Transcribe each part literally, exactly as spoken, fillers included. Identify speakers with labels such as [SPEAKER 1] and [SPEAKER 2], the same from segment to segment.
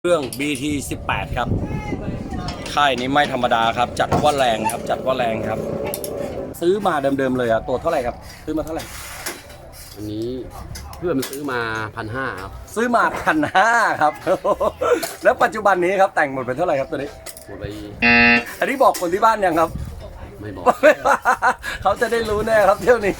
[SPEAKER 1] เครื่อง บี ที สิบแปด ครับค่ายนี้ไม่ธรรมดาครับจัดว่าแรงครับจัดว่าแรงครับซื้อมาเดิมๆเลยอะตัวเท่าไหร่ครับซื้อมาเท่าไหร่
[SPEAKER 2] อันนี้เพื่อนมันซื้อมาพันห้าครับ
[SPEAKER 1] ซื้อมาพันห้าครับ แล้วปัจจุบันนี้ครับแต่งหมดเป็นเท่าไหร่ครับตัวนี้
[SPEAKER 2] หมดไป
[SPEAKER 1] อันนี้บอกคนที่บ้านยังครับ
[SPEAKER 2] ไม่บอก
[SPEAKER 1] เขาจะได้รู้แน่ครับเที่ยวนี้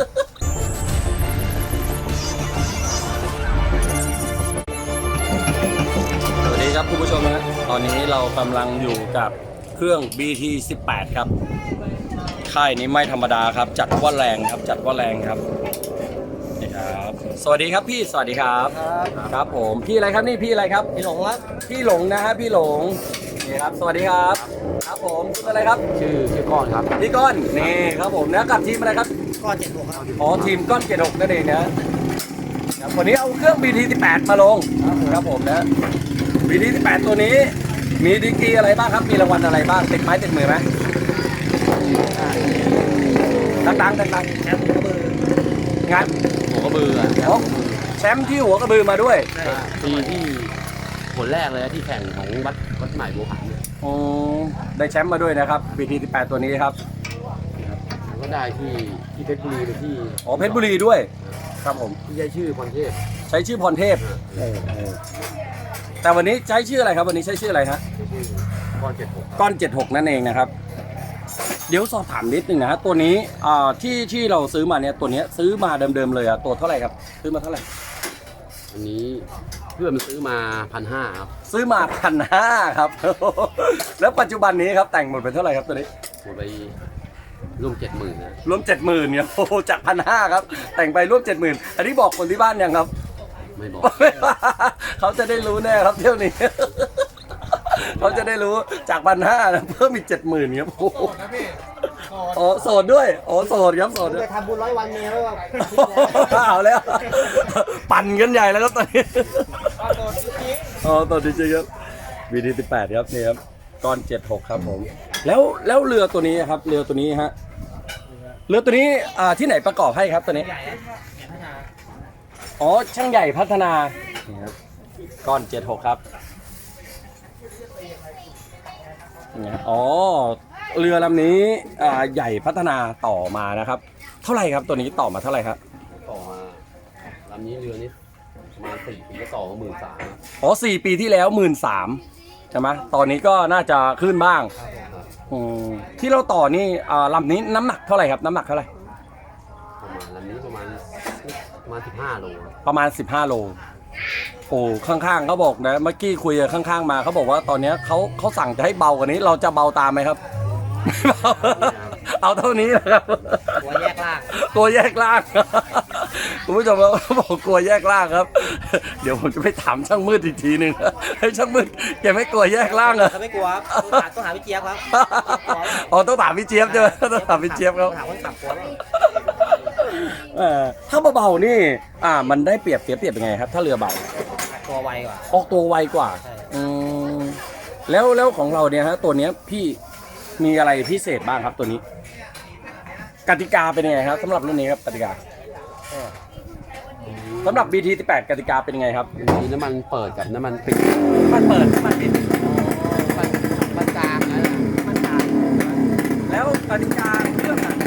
[SPEAKER 1] สวัสดีครับคุณผู้ชมนะตอนนี้เรากำลังอยู่กับเครื่อง บี ที สิบแปด ครับค่ายนี้ไม่ธรรมดาครับจัดว่าแรงครับจัดว่าแรงครับนี่ครับสวัสดีครับพี่สวัสดีครับครับผมพี่อะไรครับนี่พี่อะไรครับพี่หลงครับพี่หลงนะฮะพี่หลงนี่ครับสวัสดีครับครับผมชื่ออะไรครับ
[SPEAKER 2] ชื่อชื่อก้อนครับ
[SPEAKER 1] พี่ก้อนนี่ครับผมนะกับทีมอะไรครับ
[SPEAKER 3] ก้อนเจ็ดหกครับ
[SPEAKER 1] อ๋อทีมก้อนเจ็ดหกนั่นเองนะวันนี้เอาเครื่อง บี ที สิบแปด มาลงครับผมนะ บี ที สิบแปด ตัวนี้มีดีกรีอะไรบ้างครับมีรางวัลอะไรบ้างติดไม้ติดมือไหมดังๆดังๆแชมป์หัวกระบืองาน
[SPEAKER 2] หัวกระบือ
[SPEAKER 1] แชมป์ที่หัวกระบือมาด้วย
[SPEAKER 2] ปีที่ผลแรกเลยที่แข่งของวัดวัดใหม่บัวผัน
[SPEAKER 1] อ๋อได้แชมป์มาด้วยนะครับ บี ที สิบแปด ตัวนี้ครับ
[SPEAKER 2] ก็ได้ที่ที่เพชรบุรีไปที่
[SPEAKER 1] อ๋อเพชรบุรีด้วยครับผม
[SPEAKER 2] ที่ใช้ชื่อพรเทพ
[SPEAKER 1] ใช้ชื่อพรเทพแต่วันนี้ใช้ชื่ออะไรครับวันนี้ใช้ชื่ออะไรฮะ
[SPEAKER 2] ก้อนเจ็ดหก
[SPEAKER 1] ก้อนเจ็ดหกนั่นเองนะครับเดี๋ยวสอบถามนิดนึงนะฮะตัวนี้อ่าที่ที่เราซื้อมาเนี่ยตัวนี้ซื้อมาเดิมๆเลยอะตัวเท่าไหร่ครับซื้อมาเท่าไหร่
[SPEAKER 2] อันนี้เพื่อนมันซื้อมาพันห้าครับ
[SPEAKER 1] ซื้อมาพันห้าครับ แล้วปัจจุบันนี้ครับแต่งหมดเป็นเท่าไหร่ครับตัวนี้
[SPEAKER 2] หมดไปร่วมเจ็ดหมื่นนะ
[SPEAKER 1] ร่วมเจ็ดหมื่นเนี่ยโอ้จากพันห้าครับแต่งไปร่วมเจ็ดหมื่นอันนี้บอกคนที่บ้านยังครับ
[SPEAKER 2] ไม่บอก
[SPEAKER 1] เขาจะได้รู้แน่ครับเที่ยวนี้ เขาจะได้รู้จากพันห้าเพิ่มอีกเจ็ดหมื่นครับโอ้โหอ๋อโสดด้วยอ๋อโสดครับโสด
[SPEAKER 3] จะทำบุญร้อยวันเมียแล้ว
[SPEAKER 1] เอาแล้วปั่นกันใหญ่แล้วครับตอนนี้อ๋อโสดจริงๆครับ บี ที สิบแปด ครับนี่ครับก้อนเจ็ดหกครับผมแล้วแล้วเรือตัวนี้ครับเรือตัวนี้ฮะเรือตัวนี้อ่าที่ไหนประกอบให้ครับตัวนี้อ๋อช่างใหญ่พัฒนานี่ครับก้อนเจ็ดหกครับอ๋อเรือลำนี้อ่าใหญ่พัฒนาต่อมานะครับเท่าไหร่ครับตัวนี้ต่อมาเท่าไหร่ครับ
[SPEAKER 2] ต่อมาลำนี้เรือนี้ประมาณสี่ปีก็ต่อมาหมื่นสาม
[SPEAKER 1] อ๋อสี่ปีที่แล้วหมื่นสามใช่ไหมตอนนี้ก็น่าจะขึ้นบ้างอืมที่เราต่อนี่อ่าลำนี้น้ำหนักเท่าไหร่ครับน้ำหนักเท่าไหร่
[SPEAKER 2] ประมาณลำนี้ประมาณประมาณสิบห้าโล
[SPEAKER 1] ประมาณสิบห้าโลโอ้ข้างๆเขาบอกนะเมื่อกี้คุยกับข้างๆมาเขาบอกว่าตอนนี้เขาเขาสั่งจะให้เบากว่านี้เราจะเบาตามไหมครับเอาเท่านี้นะครับ
[SPEAKER 3] ตัวแยกล่าง
[SPEAKER 1] ตัวแยกล่างคุณผู้ชมเขาบอกกลัวแยกล่างครับเดี๋ยวผมจะไปถามช่างมืดอีกทีหนึ่งให้ช่างมืดแกไม่กลัวแยกล่างเหรอ
[SPEAKER 3] ไม่กลัวต้องหาต้องหาพี่เจี๊ยบครับ
[SPEAKER 1] อ๋อต้องถามพี่เจี๊ยบใช่ไหมต้องถามพี่เจี๊ยบครับถ้าเบาๆนี่อ่ามันได้เปรียบเสียเปรียบยังไงครับถ้าเรือเบา
[SPEAKER 3] ตัวไวกว่า
[SPEAKER 1] ออกตัวไวกว่าอืมแล้วแล้วของเราเนี่ยฮะตัวเนี้ยพี่มีอะไรพิเศษบ้างครับตัวนี้กติกาเป็นยังไงครับสำหรับรุ่นนี้ครับกติกาสำหรับ บี ที สิบแปด กติกาเป็นยังไงครับ
[SPEAKER 2] มีน้ำมันเปิดกับน้ำมันปิด
[SPEAKER 1] มันเปิดน้ำมันปิด
[SPEAKER 3] มันมันกลางนะมันกลาง
[SPEAKER 1] แล้วกติกาเครื่องอะ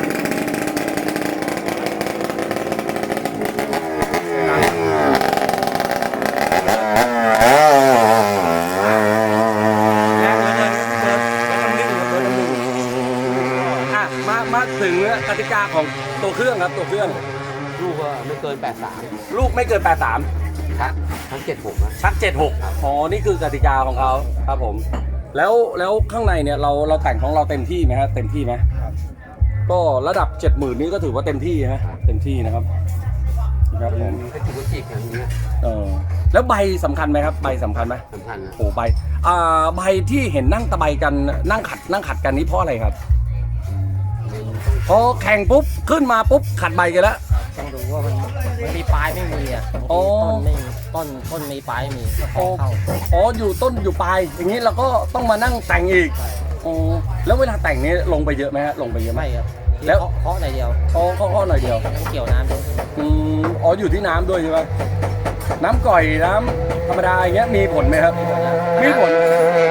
[SPEAKER 1] มาถึงกติกาของตัวเครื่องครับตัวเครื่อง
[SPEAKER 2] ลูกก็ไม่เกินแปดสาม
[SPEAKER 1] ลูกไม่เกินแปดสาม
[SPEAKER 2] ชักชักเจ็ดหกนะ
[SPEAKER 1] ชักเจ็ดหกอ๋อนี่คือกติกาของเขาครับผมแล้วแล้วข้างในเนี่ยเราเราแต่งของเราเต็มที่ไหมฮะเต็มที่ไหมก็ระดับเจ็ดหมื่นนี่ก็ถือว่าเต็มที่ฮะเต็มที่นะครับ
[SPEAKER 2] ครับผมก็ถือว่าจิกอย่างนี้
[SPEAKER 1] เออแล้วใบสำคัญไหมครับใบสำคัญไหม
[SPEAKER 2] สำคัญนะ
[SPEAKER 1] โอ้ใบอ่าใบที่เห็นนั่งตะไบกันนั่งขัดนั่งขัดกันนี้เพราะอะไรครับพอแข่งปุ๊บขึ้นมาปุ๊บขัดใบกันแล้ว
[SPEAKER 3] ต้องดูว่ามันมันมีปลายไม่มีอ่ะต้นไม่ต้นต้นมีปลายมี
[SPEAKER 1] อ๋ออ๋ออยู่ต้นอยู่ปลายอย่างนี้เราก็ต้องมานั่งแต่งอีกอ๋อแล้วเวลาแต่งนี้ลงไปเยอะไหมฮะลงไปเยอะไหม
[SPEAKER 3] ครับแล้วเคาะหน่อยเดียว
[SPEAKER 1] อ๋อเคาะหน่อยเดียว
[SPEAKER 3] ต้องเกี่ยวน้ำด้วย
[SPEAKER 1] อืมอ๋ออยู่ที่น้ำด้วยใช่ไหมน้ำก่อยน้ำธรรมดาอย่างเงี้ยมีผลไหมครับมีผล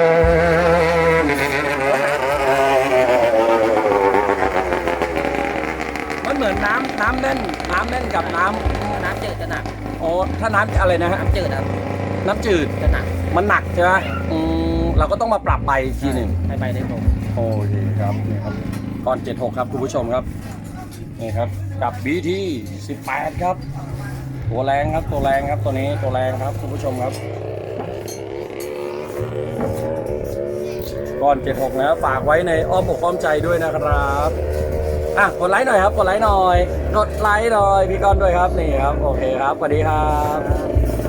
[SPEAKER 1] มันเหมือนน้ำน้ำแน่นน้ำแน่นกับน้ำ
[SPEAKER 3] น้ำจืดจะหนัก
[SPEAKER 1] โอ้ถ้าน้ำอะไรนะฮะ
[SPEAKER 3] น้ำจืดครับ
[SPEAKER 1] น้ำจืด
[SPEAKER 3] จะหนัก
[SPEAKER 1] มันหนักใช่ไหมอืมเราก็ต้องมาปรับไปอีกทีหนึ่ง
[SPEAKER 3] ให้ใบได้ตรง
[SPEAKER 1] โอเคครับนี่ครับก้อนเจ็ดหกครับคุณผู้ชมครับนี่ครับกับ บี ที สิบแปดครับตัวแรงครับตัวแรงครับตัวนี้ตัวแรงครับคุณผู้ชมครับก้อนเจ็ดหกนะฝากไว้ในอ้อมอกอ้อมใจด้วยนะครับอ่ะกดไลค์หน่อยครับกดไลค์หน่อยกดไลค์หน่อยพี่ก้อนด้วยครับนี่ครับโอเคครับสวัสดีครับ